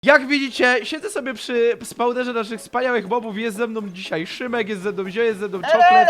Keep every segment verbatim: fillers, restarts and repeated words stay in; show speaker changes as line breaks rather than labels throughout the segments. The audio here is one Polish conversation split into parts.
Jak widzicie, siedzę sobie przy spawnerze naszych wspaniałych mobów. Jest ze mną dzisiaj Szymek, jest ze mną Zio, jest ze mną Czoklet.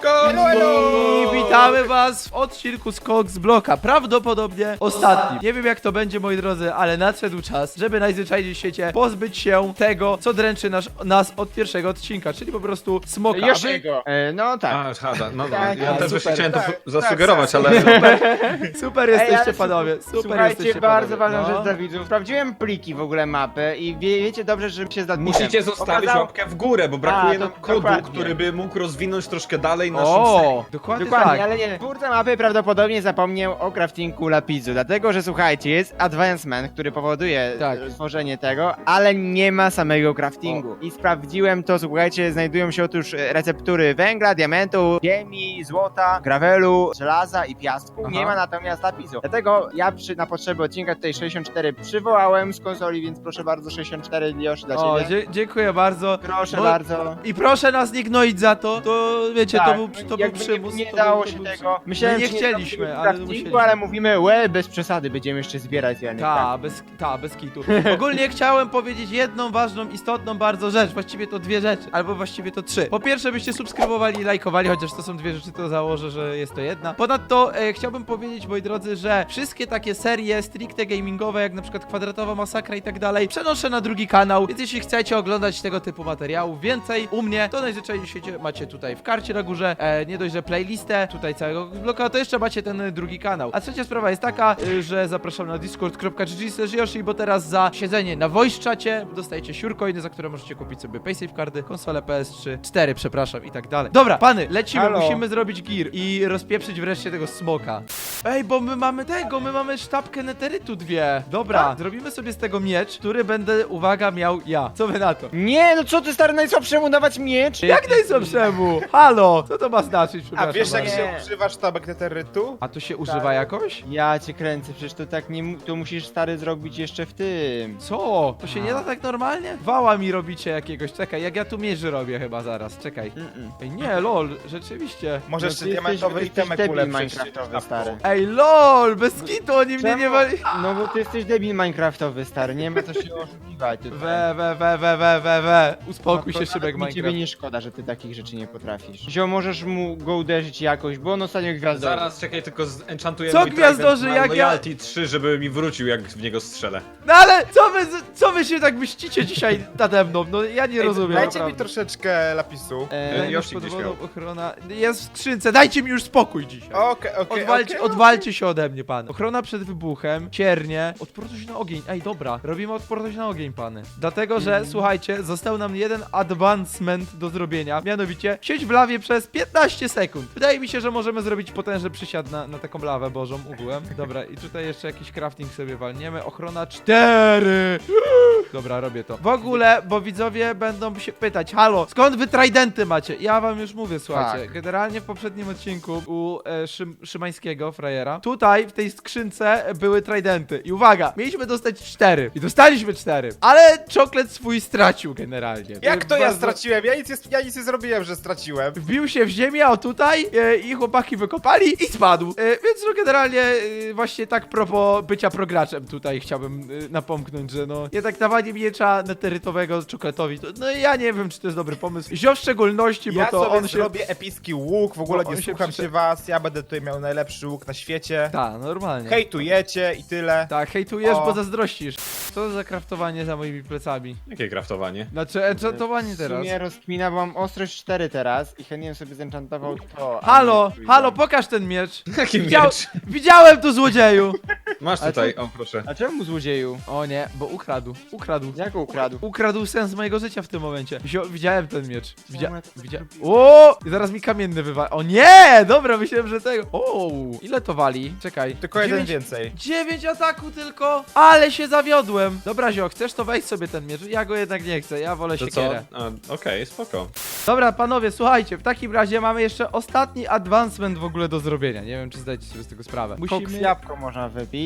I witamy was w odcinku z Cox Bloka. Prawdopodobnie ostatnim. Nie wiem jak to będzie, moi drodzy, ale nadszedł czas, żeby najzwyczajniej w świecie pozbyć się tego, co dręczy nas, nas od pierwszego odcinka, czyli po prostu smoka. A wy-
Yoshego. E, no tak.
A, szkoda, no, no
Tak,
ja
tak,
też właśnie
super.
chciałem to
Tak,
zasugerować,
tak,
ale...
Super
Ej,
jesteście,
ale
panowie. Super
Słuchajcie,
jesteście,
bardzo
panowie.
ważna
No.
rzecz dla widzów. Sprawdziłem pliki w ogóle mapy i wie, wiecie dobrze, że się zadbiłem.
Musicie zostawić
Okazał-
łapkę w górę, bo brakuje
A, to
nam kodu,
dokładnie.
który by mógł rozwinąć troszkę dalej naszą
O,
serię.
dokładnie,
Dokładnie,
tak.
ale nie. Twórca mapy prawdopodobnie zapomniał o craftingu lapisu, dlatego że słuchajcie, jest advancement, który powoduje
Tak.
tak. stworzenie tego, ale nie ma samego craftingu. I sprawdziłem to, słuchajcie, znajdują się otóż receptury węgla, diamentu, ziemi, złota, gravelu, żelaza i piasku.
Aha.
Nie ma natomiast lapisu. Dlatego ja przy, na potrzeby odcinka tutaj sześćdziesiąt cztery przywołałem z konsoli, więc proszę bardzo, sześćdziesiąt cztery już dla
O,
ciebie.
dzie dziękuję bardzo.
Proszę
Bo-
bardzo.
I proszę nas nie gnoić za to, to wiecie, to
Tak,
był, to był
jakby
przymus.
Nie, nie
to
dało
był,
się
to był
tego. Myślałem,
My nie
że
chcieliśmy,
zrobimy
ale
craftingu,
musieliśmy.
ale mówimy, łe, bez przesady, będziemy jeszcze zbierać Janek.
Ta, bez, ta, bez kitu. Ogólnie chciałem powiedzieć jedną ważną, istotną bardzo rzecz, właściwie to dwie rzeczy, albo właściwie to trzy. Po pierwsze byście subskrybowali i lajkowali, chociaż to są dwie rzeczy, to założę, że jest to jedna. Ponadto e, chciałbym powiedzieć, moi drodzy, że wszystkie takie serie stricte gamingowe, jak na przykład Kwadratowa Masakra i tak dalej, przenoszę na drugi kanał, więc jeśli chcecie oglądać tego typu materiałów więcej u mnie, to najzwyczajniej w świecie macie tutaj w karcie na górze, e, nie dość, że playlistę tutaj całego bloka, to jeszcze macie ten drugi kanał. A trzecia sprawa jest taka, y, że zapraszam na discord kropka g g slash yoshi, bo teraz za siedzenie na voice czacie dostajecie siurcoiny, za które możecie kupić sobie paysafe karty, konsolę P S trzy, cztery, przepraszam, i tak dalej. Dobra, pany, lecimy,
Halo.
musimy zrobić gear i rozpieprzyć wreszcie tego smoka. Ej, bo my mamy tego, my mamy sztabkę neterytu dwie. Dobra, zrobimy sobie z tego miecz, który będę, uwaga, miał ja. Co wy na to?
Nie, no co ty stary najsłabszemu dawać miecz?
Jak najsłabszemu? Halo, co to ma znaczyć?
A
Przepraszam
wiesz jak
bardzo.
się
Nie.
używa sztabek neterytu?
A to się używa jakoś?
Ja cię kręcę, przecież to tak nie, mu- to musisz stary zrobić jeszcze w tym.
Co? To się nie da tak normalnie? Wała mi robicie jakiegoś, czekaj, jak ja tu mierzy robię chyba zaraz, czekaj.
Mm-mm.
Ej, nie, lol, rzeczywiście.
Może
No
jeszcze
ty jesteś-
diamentowy
jesteś
itemek
debil
ulepszyć
minecraftowy,
sztabką.
stary.
Ej, lol, bez kitu, oni mnie nie
Czemu?
wali...
No bo ty jesteś debil minecraftowy, stary, nie ma co się oszukiwać tutaj.
We, we, we, we, we, we, we. Uspokój
No
się,
to
Szybek
nawet mi ciebie
Minecraft.
nie szkoda, że ty takich rzeczy nie potrafisz. Zio, możesz mu go uderzyć jakoś, bo on ostatnio gwiazdowy.
Zaraz, czekaj, tylko enchantujemy
Co
mój
gwiazdorzy,
trident
jak
na
ja-
loyalty trzy, żeby mi wrócił, jak w niego strzelę.
No ale co wy, co wy się tak mścicie dzisiaj nade mną? No ja nie
Ej,
rozumiem,
Dajcie mi
naprawdę.
troszeczkę lapisu.
E,
Daj mi
Yoshi
pod
gdzieś
wodą,
miał.
ochrona... Jest w skrzynce, dajcie mi już spokój dzisiaj.
Okej, okej,
Odwalcie,
okej.
odwalcie się ode mnie, pan. Ochrona przed wybuchem, ciernie, odporność na ogień. Ej, dobra, robimy odporność na ogień, pany. Dlatego, że, słuchajcie, został nam jeden advancement do zrobienia, mianowicie siedź w lawie przez piętnaście sekund. Wydaje mi się, że możemy zrobić potężny przysiad na, na taką lawę bożą ugłem. Dobra, i tutaj jeszcze jakiś crafting sobie walniemy. Ochrona cztery. Dobra, robię to. W ogóle, bo widzowie będą się pytać, halo, skąd wy tridenty macie? Ja wam już mówię, słuchajcie,
Tak.
generalnie w poprzednim odcinku u e, Szym, Szymańskiego, frajera, tutaj w tej skrzynce były tridenty i uwaga, mieliśmy dostać cztery i dostaliśmy cztery, ale czoklet swój stracił generalnie.
Jak to ja
Bardzo-
straciłem? Ja nic, nie, ja nic nie zrobiłem, że straciłem.
Wbił się w ziemię, o tutaj, e, i chłopaki wykopali i spadł. E, więc no generalnie e, właśnie tak propos bycia prograczem tutaj chciałbym e, napomknąć, że no jednak dawanie miecza neterytowego czokoletowi, to, no ja nie wiem, czy to jest dobry pomysł. Zio w szczególności, bo
Ja
to
sobie
on się...
zrobię epicki łuk, w ogóle
Bo on
nie
się
słucham
przyszedł-
się was, ja będę tutaj miał najlepszy łuk na świecie.
Tak, normalnie.
Hejtujecie i tyle.
Tak, hejtujesz,
O.
bo zazdrościsz. Co za kraftowanie za moimi plecami?
Jakie kraftowanie?
Znaczy, enchantowanie
W
teraz.
sumie rozkmina, bo mam ostrość cztery teraz i chętnie bym sobie zenchantował to. a
Halo,
nie trójkę.
halo, pokaż ten miecz.
Jaki
Widział...
miecz?
Widziałem tu, złodzieju.
Masz
Ale
tutaj,
co-
o proszę.
A czemu złodzieju?
O nie, bo ukradł, ukradł.
Jak go ukradł?
Ukradł sens mojego życia w tym momencie. Wzią, widziałem ten miecz. Widzia,
Czemu ja to
widzia...
zrobiłem?
O! I zaraz mi kamienny wywa... O nie! Dobra, myślałem, że tego... O! Ile to wali? Czekaj.
Tylko jeden
Dziewięć-
więcej.
Dziewięć ataku tylko! Ale się zawiodłem! Dobra, Zio, chcesz to wejść sobie ten miecz? Ja go jednak nie chcę, ja wolę
To co?
siekierę.
A, Okej, spoko.
Dobra, panowie, słuchajcie, w takim razie mamy jeszcze ostatni advancement w ogóle do zrobienia. Nie wiem, czy zdajecie sobie z tego sprawę.
Koks
Musimy...
jabłko można wypić.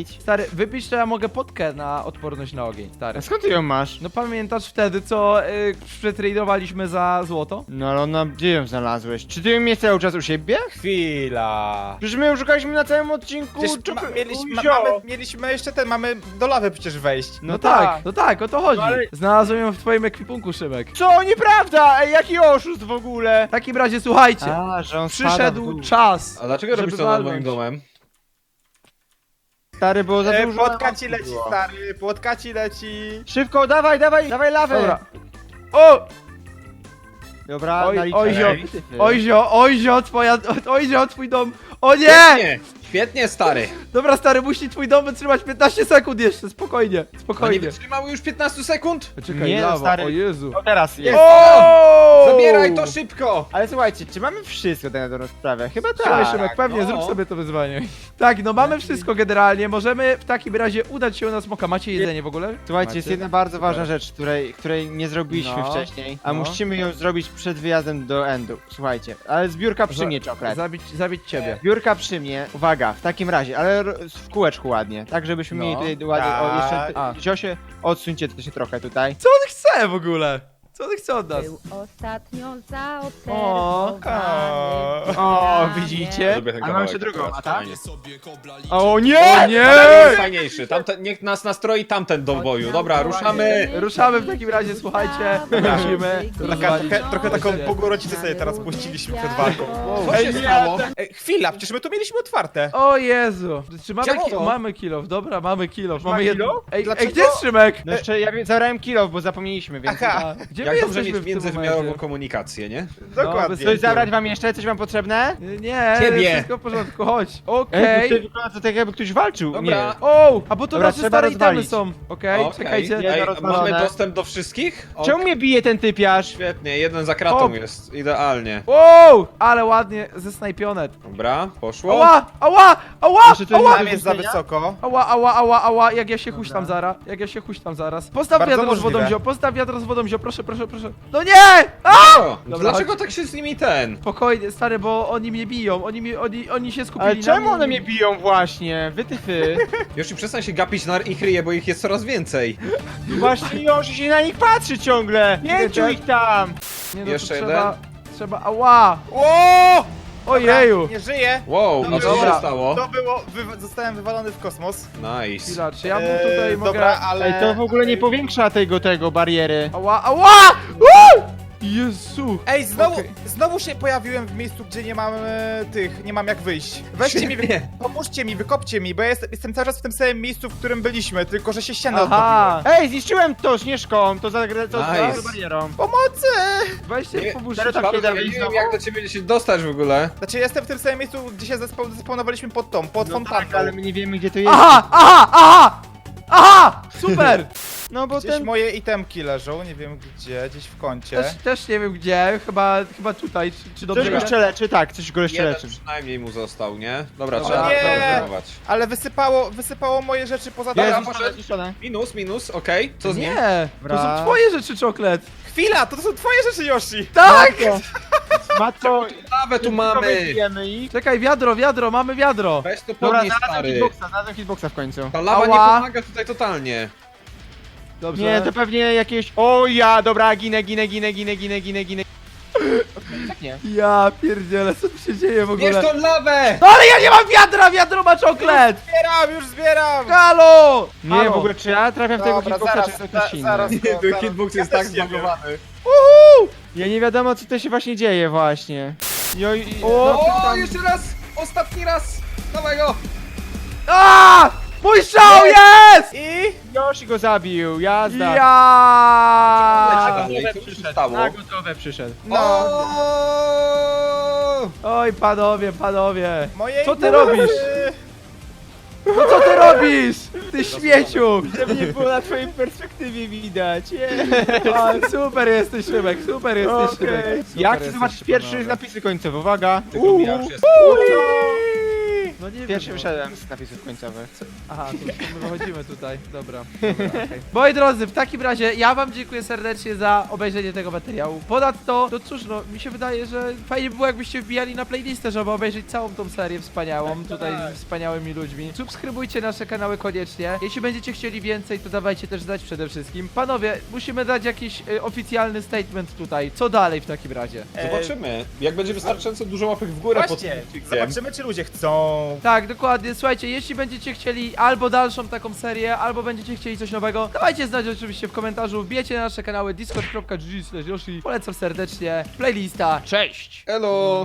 wypić?
Stary, wypisz to ja mogę potkę na odporność na ogień, stary.
A skąd ty ją masz?
No pamiętasz wtedy, co y, przetradowaliśmy za złoto?
No ale ona, gdzie ją znalazłeś? Czy ty ją miałeś cały czas u siebie?
Chwila.
Przecież my ją szukaliśmy na całym odcinku.
Przecież
czok-
ma, mieliśmy, ma,
Uzio.
mamy, mieliśmy jeszcze ten, mamy do lawy przecież wejść.
No, tak, no tak, o to chodzi.
No ale-
Znalazłem ją w twoim ekwipunku, Szymek.
Co? Nieprawda! Ej, jaki oszust w ogóle!
W takim razie słuchajcie,
A, że on spada w
przyszedł
dół.
czas.
A dlaczego
żeby
robisz to nad moim
walnąć.
domem?
Stary, było za
E,
dużo.
płotka ci leci,
było.
stary, płotka ci leci.
Szybko, dawaj, dawaj, dawaj lawę!
Dobra. O!
Dobra,
Oj,
naliczę.
ojzio,
Ej.
ojzio, ojzio, twoja, ojzio, twój dom. O nie!
Świetnie! Świetnie, stary!
Dobra, stary, musi twój dom wytrzymać piętnaście sekund jeszcze, spokojnie,
No nie
spokojnie.
wytrzymały już piętnastu sekund?
Czekaj,
Nie, no,
lawa,
stary.
o Jezu.
O, teraz jest.
O!
Zabieraj to szybko!
Ale słuchajcie, czy mamy wszystko tak na dobrą sprawę? Chyba
Słuchaj,
tak.
Szymek, pewnie,
no.
zrób sobie to wyzwanie. Tak, no mamy wszystko generalnie, możemy w takim razie udać się na smoka. Macie jedzenie w ogóle?
Słuchajcie,
Macie?
jest jedna bardzo ważna rzecz, której, której nie zrobiliśmy
No,
wcześniej, a
no.
musimy ją zrobić przed wyjazdem do Endu. Słuchajcie, ale zbiórka przy
Za-
mnie, czoklet.
Zabić, zabić ciebie.
Zbiórka przy mnie, uwaga, w takim razie, ale r- w kółeczku ładnie, tak żebyśmy
No,
mieli tutaj ładnie, o
tak.
jeszcze,
A.
Ziosie, odsuńcie to się trochę tutaj.
Co on chce w ogóle? Co on chce od nas?
Był ostatnio
O,
zaobserwowany.
O, widzicie?
Lubię ten
A mam
kawałek
jeszcze drugą,
akurat,
a tak?
fajnie.
O nie!
O nie!
Ten jest fajniejszy, tamten, niech nas nastroi tamten do boju. Dobra, ruszamy!
Ruszamy w takim razie, słuchajcie, lecimy.
Taka, trochę, trochę taką pogorocicę sobie teraz puściliśmy przed walką.
Co się stało?
Ej, chwila, przecież my tu mieliśmy otwarte.
O Jezu! Czy mamy,
Czemu
ki-
to?
mamy kilof, dobra, mamy kilof.
Ma
Mamy jedno.
kilo?
Ej, ej,
Dlaczego?
gdzie jest Szymek?
No jeszcze ja wie- zabrałem kilo, bo zapomnieliśmy, więc...
Aha.
A, gdzie
Jak
my
dobrze
jesteśmy
mieć
w tym
międzywymiarową
momencie?
komunikację, nie?
Dokładnie.
bez-
Coś zabrać wam jeszcze? Coś wam potrzebne?
Nie,
Ciebie.
wszystko w porządku, chodź.
Ej,
Okej.
to wygląda to tak jakby ktoś walczył.
Dobra.
O, a bo to
Dobra,
nasze
trzeba
stare
rozwalić.
itemy są. Okej,
Okej.
czekajcie.
Nie.
Ej,
Jedno
a mamy
rozwalone.
dostęp do wszystkich?
Nie.
O,
Czemu mnie bije ten typiarz?
Świetnie, jeden za kratą
Hop.
jest, idealnie.
Wow, ale ładnie zesnajpionet.
Dobra, poszło.
Ała, ała, ała,
Jeszcze to
ała,
Tam jest za
zmienia?
wysoko.
ała, ała, ała, ała, jak ja się huśtam zaraz, jak ja się huśtam zaraz. Postaw
Bardzo
wiadro z wodą,
możliwe.
zio, postaw wiadro z wodą, zio, proszę, proszę, proszę. No nie! A!
O,
Dobra,
dlaczego
chodź.
tak się z nimi ten?
Spokojnie, stary, bo oni mnie biją, oni, mi, oni, oni się skupili
Ale
na
czemu
mnie.
one mnie biją właśnie? Wytyfy.
Już i przestań się gapić na ich ryje, bo ich jest coraz więcej.
Właśnie już się na nich patrzy ciągle. Pięciu
tak?
ich tam.
Nie, no,
Jeszcze
to trzeba,
jeden?
trzeba, ała!
O!
Ojeju!
Nie żyje.
Wow, a co
Dobra.
się stało?
To było, wy, zostałem wywalony w kosmos.
Nice.
Chwila, czy ja mu
Eee,
tutaj mogę...
Dobra, ale...
Ej, to w ogóle nie powiększa tego, tego bariery.
Ała, ała! Uuu! Jezu!
Ej, znowu,
Okej.
znowu się pojawiłem w miejscu, gdzie nie mam e, tych, nie mam jak wyjść. Weźcie mi, wy,
Świetnie.
pomóżcie mi, wykopcie mi, bo ja jestem, jestem cały czas w tym samym miejscu, w którym byliśmy, tylko że się ściana
Aha!
Ej, zniszczyłem to śnieżką, to za, to
Nice.
za barierą.
odtopiła. Pomocy!
Weźcie,
Nie,
pomóżcie.
teraz
Bardzo
tak
nie
nie
wiem
znowu?
jak do ciebie się dostać w ogóle.
Znaczy jestem w tym samym miejscu, gdzie się zespa- zespawnowaliśmy pod tą, pod
No
fontanną.
tak, ale my nie wiemy gdzie to jest.
Aha, aha, aha! Aha! Super!
No bo
Gdzieś
ten...
moje itemki leżą, nie wiem gdzie, gdzieś w kącie.
Też, też nie wiem gdzie, chyba, chyba tutaj, czy, czy
Coś
dobrze
go
wiem?
jeszcze leczy, tak, coś go jeszcze
Jeden
leczy.
przynajmniej mu został, nie? Dobra,
Dobra.
trzeba
Nie.
zaobserwować.
Ale wysypało, wysypało moje rzeczy poza
Dobra,
domem.
poszedł.
zniszczone.
Minus, minus, okej. Co z nim?
Nie! To
Dobra.
są twoje rzeczy, czoklet!
Chwila, to, to są twoje rzeczy, Yoshi!
Tak!
Matko,
Lawę tu mamy!
Wiemy ich.
Czekaj, wiadro, wiadro, mamy wiadro!
Weź to
Dobra,
podnieś,
znalazłem
stary.
hitboxa, znalazłem hitboxa w końcu.
Ta lawa nie
Ała.
pomaga tutaj totalnie.
Dobrze.
Nie, to pewnie jakieś... O ja, dobra, ginę, ginę, ginę, ginę, ginę, ginę, ginę. Okej, tak nie.
Ja pierdzielę, co tu się dzieje w
Bierz
ogóle?
tą lawę!
No ale ja nie mam wiadra, wiadro ma czoklet!
Zbieram, już zbieram!
Halo!
Nie,
Halo.
w ogóle czy ja trafiam w tego
Dobra,
hitboxa,
zaraz,
czy to
za-
ktoś inny?
zaraz.
Nie,
to-
ten
zaraz-
hitbox
ja
jest tak
też nie wiem.
zbagowany.
Uhu!
Ja nie wiadomo co to się właśnie dzieje właśnie. Jo, i,
O!
no,
O, jeszcze raz! Ostatni raz! Dawaj
A! Mój strzał jest!
I...
Yoshi go zabił, jazda.
Ja!
dalej, co tu się stało?
Na gotowe przyszedł.
No,
O!
Oj, panowie, panowie!
moje
Co ty
itemy-
robisz? No co ty robisz? Ty śmieciu!
Żeby nie było na twojej perspektywie widać.
A, super jesteś, Szymek, super jesteś,
Okej.
Szymek. Super
Ja chcę
jesteś,
zobaczyć pierwszy
panowie.
napisy końcowe, uwaga.
Tego ja już jest.
No nie
Pierwszy
wiem. no.
wyszedłem z napisów końcowych.
Aha, to, to my wychodzimy tutaj. Dobra. Dobra okay. Moi drodzy, w takim razie ja wam dziękuję serdecznie za obejrzenie tego materiału. Ponadto, to cóż, no mi się wydaje, że fajnie by było, jakbyście wbijali na playlistę, żeby obejrzeć całą tą serię wspaniałą, tutaj z wspaniałymi ludźmi. Subskrybujcie nasze kanały koniecznie. Jeśli będziecie chcieli więcej, to dawajcie też znać przede wszystkim. Panowie, musimy dać jakiś y, oficjalny statement tutaj. Co dalej w takim razie?
Zobaczymy. Jak będzie wystarczająco dużo łapek w górę pod
Właśnie,
tym filmikiem.
zobaczymy czy ludzie chcą.
Tak, dokładnie. Słuchajcie, jeśli będziecie chcieli albo dalszą taką serię, albo będziecie chcieli coś nowego, dawajcie znać oczywiście w komentarzu. Wbijecie na nasze kanały discord kropka g g slash yoshi. Polecam serdecznie. Playlista. Cześć!
Elo!